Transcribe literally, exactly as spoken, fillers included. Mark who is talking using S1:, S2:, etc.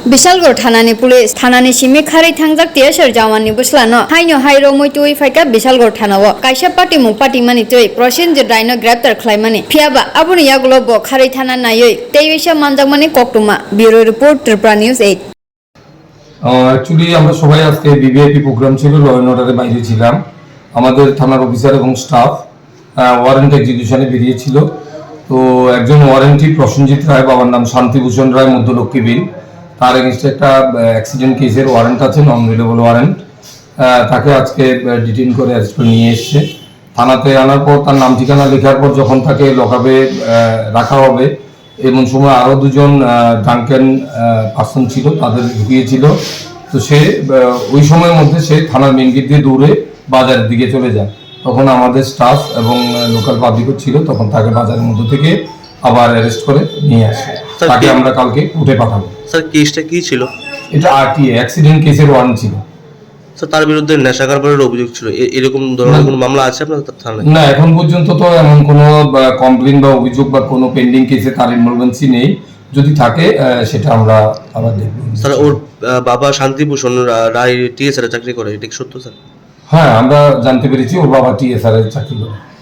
S1: बिशालगढ़ थानानि पुलिस थानानि सिमी खारै थांजाक तियासर जावाननि बुस्लानो हाइनो हाइरो मैतुइ फाइका बिशालगढ़ थानाव काइसा पार्टी मुं पार्टी मानि तुइ प्रसेनजित रायनो ग्रेप्तार खालामनानै फियाबा आबुनि यागुलो ब खारै थाना नायै तेइसा मानजाक माने कक्टुमा bureau report Tripura news eight.
S2: Actually আমরা সবাই আজকে বিভিআইপি প্রোগ্রাম ছিল, ল অ্যান্ড অর্ডারে বাইরে ছিলাম। আমাদের থানার অফিসার এবং স্টাফ ওয়ারেন্ট এক্সিকিউশনে বেরিয়েছিল। তো একজন ওয়ারেন্টি প্রসেনজিৎ রায়, বাবার নাম শান্তিভূষণ রায়, মধ্যলক্ষ্মী বিল, তার এগেনস্টে একটা অ্যাক্সিডেন্ট কেসের ওয়ারেন্ট আছে, নন রিলেবল ওয়ারেন্ট। তাকে আজকে ডিটেইন করে অ্যারেস্ট করে নিয়ে এসছে থানাতে। আনার পর তার নাম ঠিকানা লেখার পর যখন তাকে লকআপে রাখা হবে, এমন সময় আরও দুজন ড্রাঙ্কেন পার্সন ছিল, তাদের ঢুকিয়েছিল। তো সে ওই সময়ের মধ্যে সে থানার মেন গেট দিয়ে দৌড়ে বাজারের দিকে চলে যায়। তখন আমাদের স্টাফ এবং লোকাল পাবলিকও ছিল, তখন তাকে বাজারের মধ্যে থেকে আবার অ্যারেস্ট করে নিয়ে আসে। তাকে আমরা কালকে কোর্টে পাঠাবো।
S3: স্যার কেসটা কি ছিল?
S2: এটা আরটিএ অ্যাক্সিডেন্ট কেসের ওয়ারেন্ট ছিল।
S3: স্যার তার বিরুদ্ধে নেশা কারবারের অভিযোগ ছিল, এরকম ধরনের কোনো মামলা আছে আপনার থানায়?
S2: না, এখন পর্যন্ত তো এমন কোনো কমপ্লেন বা অভিযোগ বা কোনো পেন্ডিং কেসে তার ইনভলভেন্সি নেই। যদি থাকে সেটা আমরা আবার দেখব।
S3: স্যার ওর বাবা শান্তিভূষণ রায় টিএসআর চাকরি করে, এটা কি সত্য স্যার?
S2: হ্যাঁ, আমরা জানতে পেরেছি ওর বাবা টিএসআর এর চাকরি করে।